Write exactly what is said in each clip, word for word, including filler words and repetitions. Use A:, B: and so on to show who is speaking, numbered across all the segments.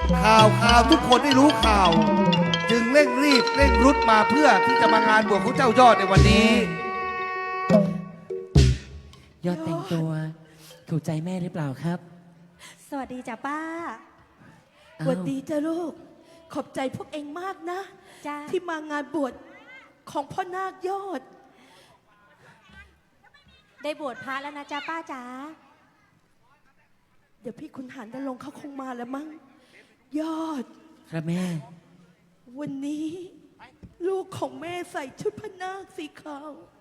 A: ข่าวข่าวทุกคนได้รู้ข่าว จึงเร่งรีบเร่งรุดมาเพื่อที่จะมางานบวชของเจ้ายอดในวันนี้
B: ยอดแต่งตัวถูกใจแม่หรือเปล่าครับ
C: สวัสดีจ้ะป้า
B: อ้าว
D: สวัสดีจ้าลูก ขอบใจพวกเองมากนะ
C: จ้า
D: ที่มางานบวชของพ่อนาคยอด
C: ได้บวชพระแล้วนะจ้าป้าจ๋า
D: เดี๋ยวพี่คุณหันจะลงเขาคงมาแล้วมั้งยอด
B: ครับแม่
D: วันนี้ ลูกของแม่ใส่ชุดพระนาคสีขาว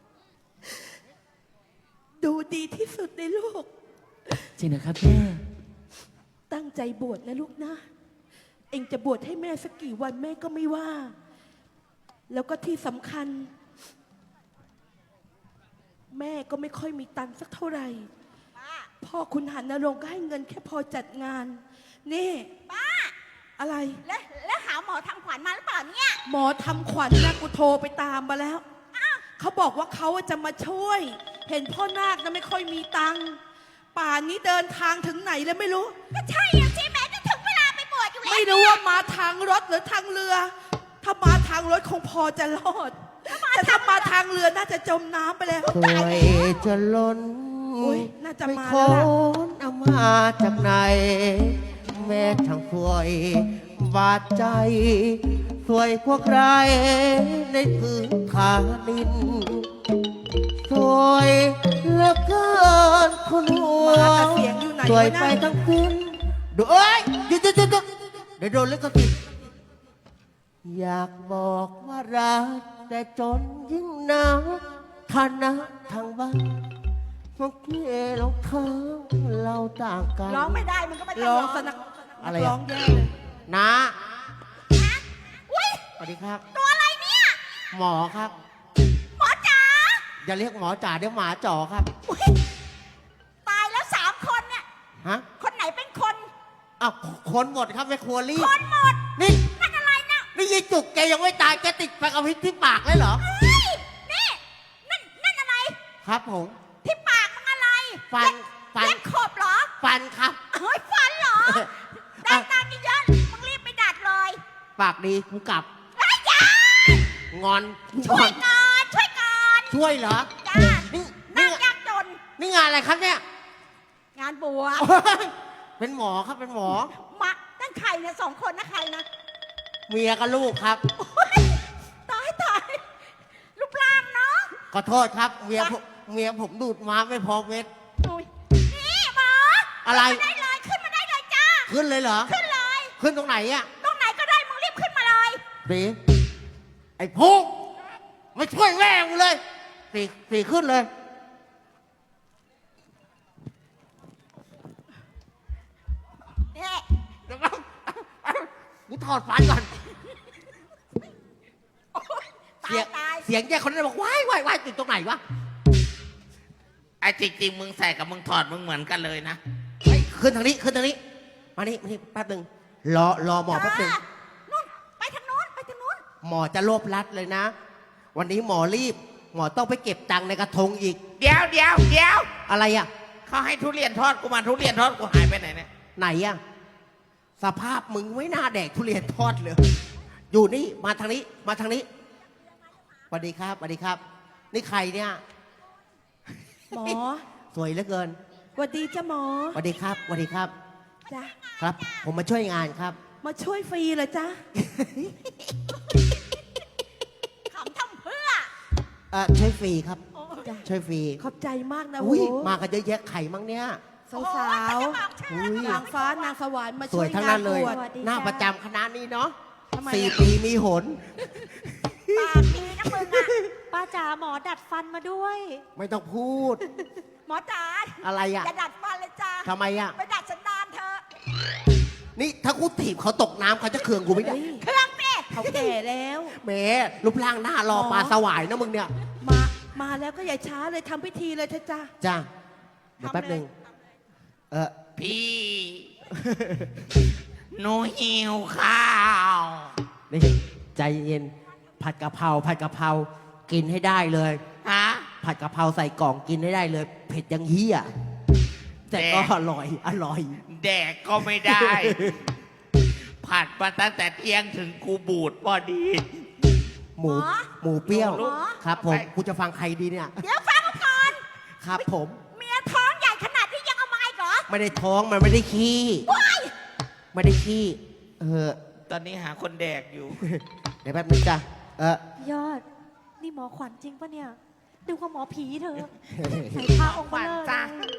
D: ดูดีที่สุดในโลก
B: จริงนะครับแม่
D: ตั้งใจบวชนะลูกนะ เองจะบวชให้แม่สักกี่วันแม่ก็ไม่ว่า แล้วก็ที่สำคัญ แม่ก็ไม่ค่อยมีตังค์สักเท่าไหร่พ่อคุณหันนรงค์ก็ให้เงินแค่พอจัดงาน นี่
E: ป้า
D: อะไร
E: แล้วแล้วหาหมอทำขวัญมาหรือเปล่าเนี่ย
D: หมอทำขวัญนะกูโทรไปตามมาแล้ว เขาบอกว่าเขาจะมาช่วย เห็นพ่อนาคนะไม่ค่อยมีตังค์ป่านนี้เดินทางถึงไหนแล้วไม่รู้
E: ก็ใช่อะสิแม่จะถึงเวลาไปบวชอยู่แล้ว
D: ไม่รู้ว่ามาทางรถหรือทางเรือ ถ้ามาทางรถคงพอจะรอด แต่ถ้ามาทางเรือน่าจะจมน้ำไปแล้ว
F: เคยจะล้น
D: อุ๊ยน่าจะมา
F: ไค
D: แล้วล่ะ
F: นเอามาจากไหน แม่ช่างสวยบาดใจ สวยกว่าใครในพื้นขาดิน สวยเหลือเกินคนหัว
D: มาแต่เสียงอยู่ไหน
F: สวยว
D: ะ
F: ไป
D: น่ะ
F: ทั้งสิ้นดูเอ้ยหยุดหยุดหยุดหยุดเดี๋ยวโดนลิขสิทธิ์อยากบอกว่ารักแต่จนยิ่งนักฐานะทางบ้านพวกเกลงค้างเราต่างกัน
E: ร้องไม่ได้มันก็ไม่ต้อง
D: ร้
E: ร้
D: อ
E: อง ง
D: สนัก
F: อะไร
D: ร้
F: อะ
D: องแย่เลย
F: นะ
E: อุ้ย
F: สวัสดีครับ
E: ตัวอะไรเนี่ย
F: หมอครับ
E: หมอจ๋า
F: อย่าเรียกหมอจ๋าเดี๋ยวหมาจ่อครับ
E: อุ๊ยตายแล้วสามคนเนี่ย
F: ฮะ
E: คนไหนเป็นคน
F: อ้าวคนหมดครับไม่ครัวรีบ
E: คนหมด
F: นี่
E: นั่นอะไรนะ
F: นี่ยายจุกแกยังไม่ตายแกติดไฟกระพริบที่ปากเลยเหรอ
E: เฮ้ยนี่นั่นนั่นอะไร
F: ครับผม
E: ที่ปากมันอะไร
F: ฟันฟัน
E: เล็บขบเหรอ
F: ฟันครับ
E: เฮ้ยฟันเหรอ ได้ตังค์เยอะๆมึงรีบไปดัดเลย
F: ปากดีกูกลับ
E: ไอ้ยอยาง
F: อน
E: ช่วย
F: งอน
E: ก่อนช่วยก่อน
F: ช่วยเหรอ
E: จ้า
F: นี่
E: นั่
F: นี่
E: งยากจน
F: นี่งานอะไรครับเนี่ย
E: งานบวช
F: เป็นหมอครับเป็นหมอ
E: มาตั้งใครเนี่ยสองคนนะใครนะ
F: เมียกับลูกครับ
E: โอ๊ยตายตายรูปร่างเนาะ
F: ขอโทษครับเมียผมเมียผมดูดมาไม่พอเม็ด
E: อุ๊ยนี่หมอ
F: อะไร
E: ขึ้นมาได้เลยขึ้นมาได้เลยจ้า
F: ขึ้นเลยเหรอ
E: ขึ้นเลย
F: ขึ้นตรงไหนอะ
E: ตรงไหนก็ได้มึงรีบขึ้นมาเลย
F: สีไอ้พุกไม่ช่วยแม่กูเลยสีสีขึ้นเลย
E: นี่
F: เดี๋ยวก่อนกูถอดฟันก่อน
E: โอ๊ยตา
F: เสีย
E: ย
F: ง
E: ตาย
F: เสียงแกคนนั้นบอกว้ายว้ายว้ายติดตรงไหนวะ
G: ไอ้จริงๆมึงใส่กับมึงถอดมึงเหมือนกันเลยนะ
F: เฮ้ยขึ้นทางนี้ขึ้นทางนี้ มานี่มานี่แป๊บหนึ่งรอรอหมอแป๊บหนึ่ง
E: เนู่นไปทางนู้นไปทางนู้น
F: หมอจะรวบรัดเลยนะ วันนี้หมอรีบ หมอต้องไปเก็บตังค์ในกระทงอีก
G: เดี๋ยวเดี๋ยวเดี๋ยว
F: อะไรอ่ะ
G: เขาให้ทุเรียนทอดกูมาทุเรียนทอดกูหายไปไหนเนี่ย
F: ไหนอ่ะ สภาพมึงไม่น่าแดกทุเรียนทอดเลย อยู่นี่มาทางนี้มาทางนี้สวัสดีครับสวัสดีครับ นี่ใครเนี่ย
D: หมอ
F: สวยเหลือเกิน
D: สวัสดีจ้าหมอ
F: สวัสดีครับสวัสดีครับ
D: จ้ะ
F: ครับ ผมมาช่วยงานครับ
D: มาช่วยฟรีเหรอจ๊ะ
E: ขำทำเพื่อ
F: เออช่วยฟรีครับ
D: จ้ะ
F: ช่วยฟรี
D: ขอบใจมากนะ
F: อุ้ย
D: โห
F: มากันเยอะแยะไข่มั้งเนี่ย
D: สาวสาว
F: อุ้ย
D: นางฟ้านางสวรรค์มา
F: ส
D: ช่
F: ว
D: วย ย
F: ทั้ง
D: งา
F: นั้น นเลย
D: บวช
F: หน้าประจำคณะนี้เนาะ
D: ทำไม
F: สี่
D: อะ
F: ปีมีหน
E: ปากดีนะมึงอะ
C: ป้าจ๋าหมอดัดฟันมาด้วย
F: ไม่ต้องพูด
E: หมอจ๋า
F: อะไรอ่ะ
E: อย่าดัดฟันเลยจ้า
F: ทำไมอ่ะ
E: ไปดัดสันดานเธอะ
F: นี่ถ้ากูถีบเขาตกน้ำเขาจะเคืองกูไม่ได้
D: เฮ้ย
E: เครื่องสิ
D: เขาแก่แล้ว
F: แหมรูปร่างหน้ารอปลาสวายนะมึงเนี่ย
D: มา มาแล้วก็อย่าช้าเลยทำพิธีเลยเถอะจ้า
F: จ้าเดี๋ยวแป๊บหนึ่งเออ
G: พี่ หนูหิวข้าว
F: นี่ใจเย็นผัดกะเพราผัดกะเพรากินให้ได้เลย
G: ฮะ
F: ผัดกะเพราใส่กล่องกินให้ได้เลย เผ็ดอยังเฮียแต่ก็
G: แดก
F: อร่อยอร่อย
G: แดกก็ไม่ได้ผัดมาตั้งแต่เที่ยงถึงกูบูดพอดี
F: หมูหมูเปรี้ยว
G: หมู
F: ครับผมกูจะฟังใครดีเนี่ย
E: เดี๋ยวฟังก่อน
F: ครับผม
E: เมียท้องใหญ่ขนาดนี้ยังเอามาอีกเหรอ
F: ไม่ได้ท้องมันไม่ได้ขี้ไม่ได้ขี้เออ
G: ตอนนี้หาคนแดกอยู่
F: เดี๋ยวแป๊บนึงจ้ะเออย
C: อด นี่หมอขวัญจริงปะเนี่ยดูว่าหมอผีเธอใส่ผ้าองค์มาเลย
G: จ้ะ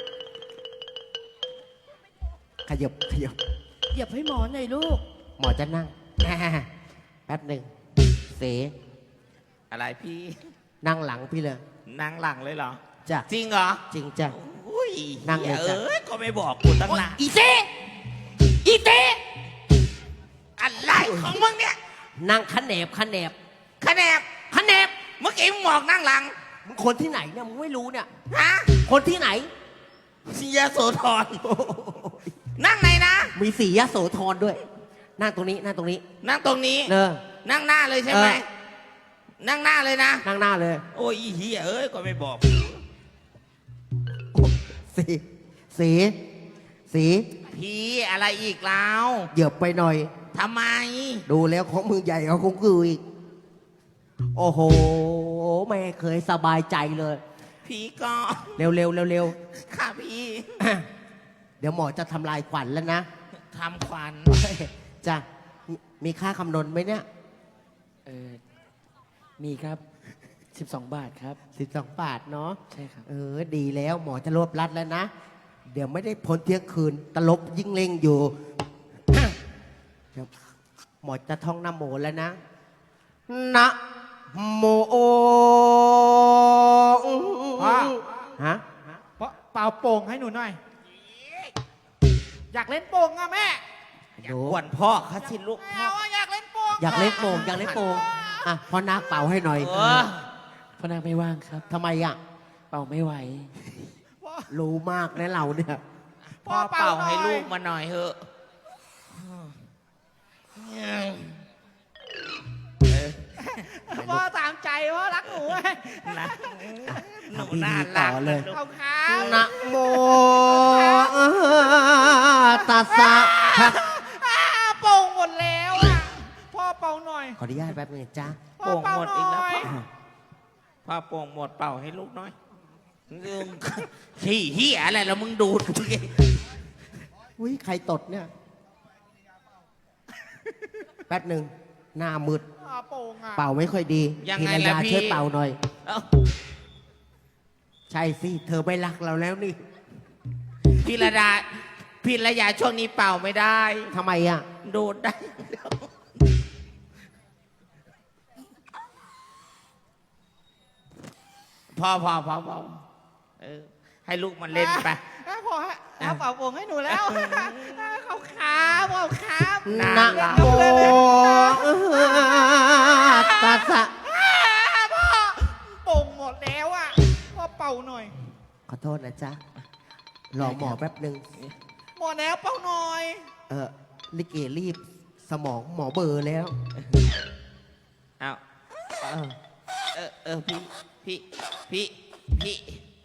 F: ขยับขยับ
D: เหยียบให้หมอหน่อยลูก
F: หมอจะนั่ง แป๊บหนึ่งเส
G: อะไรพี่
F: นั่งหลังพี่เลย
G: นั่งหลังเลยเหรอ
F: จ้ะ
G: จริงเหรอ
F: จริงจ้ะ
G: อุ้ย
F: นั่งเลยจ้ะ
G: เอ้ยก็ไม่บอกกูตั้งนาน
F: อีเสอีเส
G: อะไรของมึงเนี่ย
F: นั่งขะแหนบขะแหนบ
G: คะแนน
F: ขะแหนบ
G: เมื่อกี้มึงบอกนั่งหลัง
F: มึงคนที่ไหนเนี่ยมึงไม่รู้เนี่ย
G: ฮะ
F: คนที่ไหน
G: ชียโสธรนั่งไหนนะ
F: มีสียโสธรด้วย นั่งตรงนี้นั่งตรงนี้
G: นั่งตรงนี้
F: เนอ
G: นั่งหน้าเลยใช่ไหม
F: เออ
G: นั่งหน้าเลยนะ
F: นั่งหน้าเลย
G: โอ้ยอีเฮียเอ้ยก็ไม่บอก
F: สีสีสี
G: พี่อะไรอีกแล้ว
F: เหยียบไปหน่อย
G: ทำไม
F: ดูแล้วของมือใหญ่เอาของกูอีก โอ้โห ไม่เคยสบายใจเลย
G: พี่ก็
F: เร็วเร็วเร็วเร็ว
G: ค่ะพี่
F: เดี๋ยวหมอจะทำลายขวัญแล้วนะ
G: ทำควัน
F: จ้ะมีมีค่าคำนวณไหมเนี่ย
B: เออมีครับสิบสองบาทครับ
F: สิบสองบาทเนาะ
B: ใช่ครับ
F: เออ ดีแล้วหมอจะรวบรัดแล้วนะ เดี๋ยวไม่ได้พ้นเที่ยงคืน ตลบยิ่งเล่งอยู่ เดี๋ยวหมอจะท่องนะโมแล้วนะนะโม
H: พ่อ
F: ฮะ
H: เพราะเป่าโป่งให้หนูหน่อย อยากเล่นโป่งอะแม่
G: อยากกวนพ่อเขาสิลูก
H: ไม่เอาอะอยากเล่นโป่ง
F: อยากเล่นโป่งอยากเล่นโป่งอ่ะพ่อนาคเป่าให้หน่อย
G: เออ
B: พ่อนาคไม่ว่างครับ
F: ทำไมอ่ะ
B: เป่าไม่ไหว
F: รู้มากนะเราเนี่ย
G: พ่อเป่าให้ลูกมาหน่อยเถอะเออ
H: พ่อตามใจพ่อรักหนูไง
G: นะหนู
F: ทำพิธี
G: น่ารัก
F: ต่อเลย
G: นะ
H: เอา
G: ก
H: ครับ
F: นะโมตัสสะ
H: อ้าโป่งหมดแล้วอะพ่อเป่าหน่อย
F: ขออนุญาตแป๊บนึงจ้า
H: พ่อ
G: โป่ง
H: เป่า
G: หมด
H: ห
G: อีก
H: น่
G: แล้ว
H: อย
G: พ่อพ่อโป่งหมดเป่าให้ลูกหน้อยลืมขี้เหี้ยอะไรแล้วมึงดูดกูดิ
F: อุ้ยใครตดเนี่ย แป๊บหนึ่งหน้ามืด
H: อ่าโป่งอะ
F: เป่าไม่ค่อยดี
G: ยัง
F: พี
G: ไง
F: ร
G: ล่ะ
F: ยา
G: พี่
F: ช่วยเป่าหน่อย
G: เอ้า
F: ใช่สิ เธอไม่รักเราแล้วนี่
G: พี่ระดาพี่ระยาช่วงนี้เป่าไม่ได้
F: ทำไมอ่ะ
G: ดูดได้พอพอพอพอเออให้ลูกมันเล่นไป
H: อ่ะพ่อฮะเอาเป่าโป่งให้หนูแล้วเขาครับเอาครับ
G: น่า
F: นะ
G: รัก
F: โมตัสสะ
H: อ่าพ่อโป่งหมดแล้วอะพ่อเป่าหน่อย
F: ขอโทษนะจ๊ะ รอหมอแป๊บหนึ่ง
H: หมดแล้วเป่าหน่อย
F: เออลิเกรีบสมองหมอเบลอร์แล้ว
G: เอา
F: เออ
G: เออเออพี่พี่พี่พี่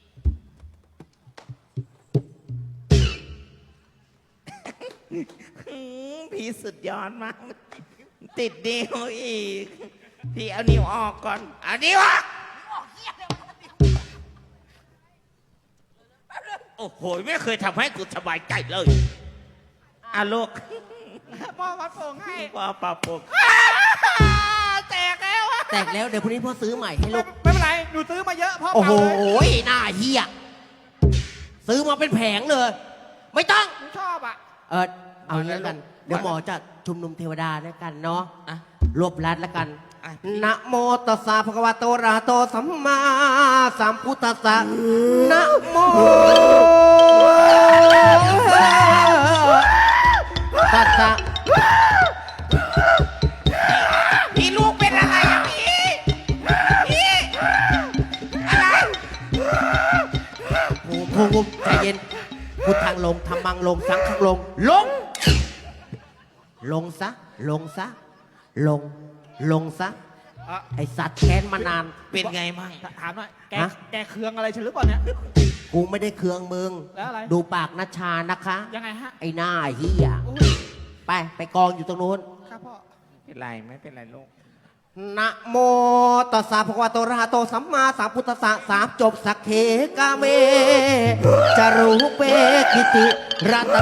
G: หืมพี่สุดยอดมาก ติดนิ้วอีก พี่เอานิ้วออกก่อน เอานิ้วออกโอ้โห ไม่เคยทำให้กูสบายใจเลยอ่ะลูก
H: พ่อวัดโป่งให้
G: พ่อปาปก
H: แตกแล้วอะ
F: แตกแล้วเดี๋ยวพรุ่งนี้พ่อซื้อใหม่ให้
H: ไม่
F: ลูก
H: ไม่เป็นไร หนูซื้อมาเยอะพ่อ
F: โอ้โห
H: เป่าเลย
F: หน้าเหี้ย ซื้อมาเป็นแผงเลย ไม่ต้อง
H: หนูชอบอะ
F: เออเอางี้แล้วกัน เดี๋ยวหมอจะชุมนุมเทวดาแล้วกันเนาะ
G: อ่ะ
F: รวบรัดแล้วกัน
G: อ่ะ
F: นะโมตัสสะภะคะวะโตอะระหะโตสัมมาสัมพุทธัสสะนะโมตัสสะ
G: พี่ลูกเป็นอะไรอะพี่ พี่ อะไร
F: ภูมิภูมิภูมิใจเย็นพุทธังลงธรรมังลงสังฆังลง ลง ลงซะ ลงซะ ลง ลงซะ
H: อ่ะ
F: ไอสัตว์แค้นมานาน
G: เป็นไงมั่ง
H: ถามหน่อย แก
F: ฮะ
H: แกเคืองอะไรฉันหรือเปล่าเนี่ย
F: กูไม่ได้เคืองมึง
H: แล้วอะไร
F: ดูปากนัชชานะคะ
H: ยังไงฮะ
F: ไอหน้าเฮีย
H: อุ๊ย
F: ไปไปกองอยู่ตรงนู้น
H: ครับพ่อ
G: เป็นไรไม่เป็นไรลูก
F: นะโมตัสสะภะคะวะโตอะระหะโตสัมมาสัมพุทธัสสะสามจบสักเคกาเมจารูเปกิติรัต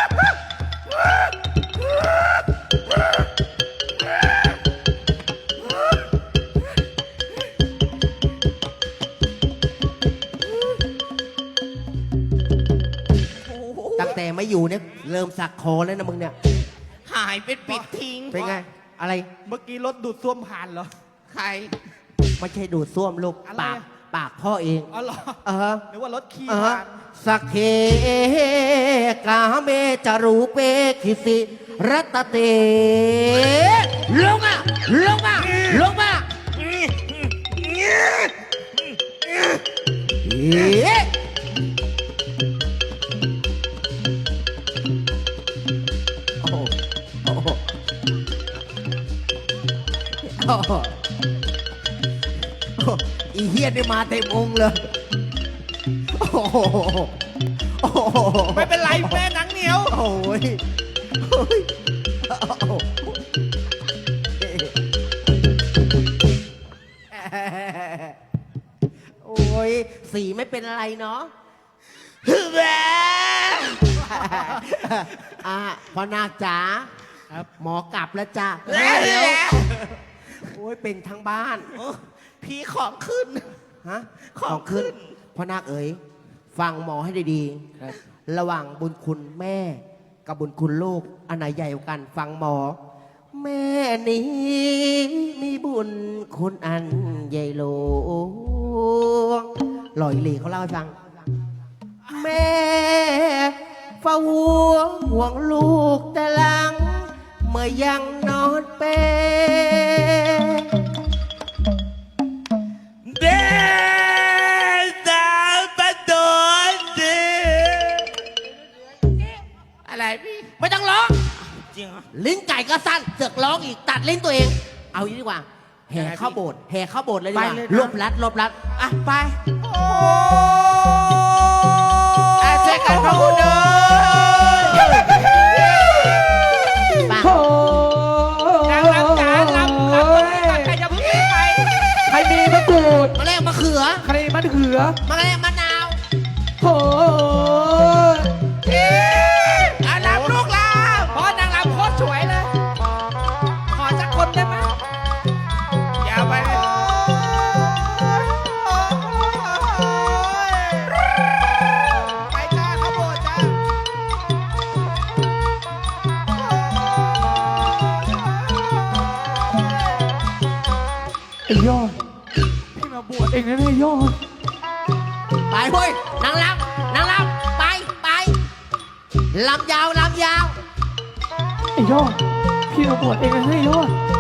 F: ตั้งแต่ไม่อยู่เนี่ยเริ่มสักคอแล้วนะมึงเนี่ย
G: หายเป็นปิดทิ้ง
F: เป็นไง อะไร
H: เมื่อกี้รถดูดซ่วมผ่านเหรอ
G: ใคร
F: ไม่ใช่ดูดซ่วมลูก
H: อะไร
F: ปาก
H: อะ
F: ปากพ่อเอง
H: อ๋อเหรอ
F: เออ
H: หรือว่ารถขี่
F: เออ
H: ผ่าน
F: สักเคกาเมจารูเปคิสิรัตเตลงมาลงมาลงมาเอ๊ะโอ้โหโอ้โหโอ้โหอีเฮียนี่มาเต็มองค์เลย โอ้โหโอ้โห
H: ไม่เป็นไรแม่หนังเหนียว
F: โอ้ยโอ้ยโอ้ยสีไม่เป็นอะไรเนาะแม่อ่ะพอนาคจ๋าครับหมอกลับแล้วจ้าโอ้ยเป็นทั้งบ้าน
G: พี่ของขึ้น
F: ฮะ
G: ของขึ้น
F: พ่อนาคเอ๋ยฟังหมอให้ดี
B: ครับ
F: ๆ ระหว่างบุญคุณแม่กับบุญคุณลูก อันไหนใหญ่กว่ากัน ฟังหมอ แม่นี้มีบุญคุณอันใหญ่หลวงหล่อยหลีเขาเล่าให้ฟัง แม่เฝ้าห่วงห่วงลูกแต่หลัง เมื่อยังนอนเป็น
G: เดดาบดอนเดอะไรพี่
F: ไม่ต้องร้อง
G: จริงเหรอ
F: ลิ้นไก่ก็สั้นเสือกร้องอีกตัดลิ้นตัวเอง เอาอย่างนี้ดีกว่า แห่เข้าโบสถ์แห่เข้าโบสถ์เลยดีกว่า
H: ไปเลยนะ
F: รวบรัดรวบรัด
G: อ่ะไปอ่ะช่วยกันพระคุณเด้อ
F: ไป้า
H: นางรำจ๋ารำรำตรงนี้ก่อนใครจะพึ่งไป ใครมีมะกรูด
F: มาแรกมะเขือ
H: ใครมีมะเขือ
F: มาแรกมะนาว
H: โอ้
G: อ่ะรับลูกลา
H: เพราะนางรำโคตรสวยเลย ขอสักคนได้ไหม
G: อย่าไปเลย
H: ไปจ้าข้าวโพดจ้า ไอ้ยอด พี่มาบวชเองนะเนี่ยยอด
F: ไปเว้ยนางรำนางรำไปไปลำยาวลำยาว
H: ไอ้ยอด พี่มาบวชเองนะเนี่ยยอด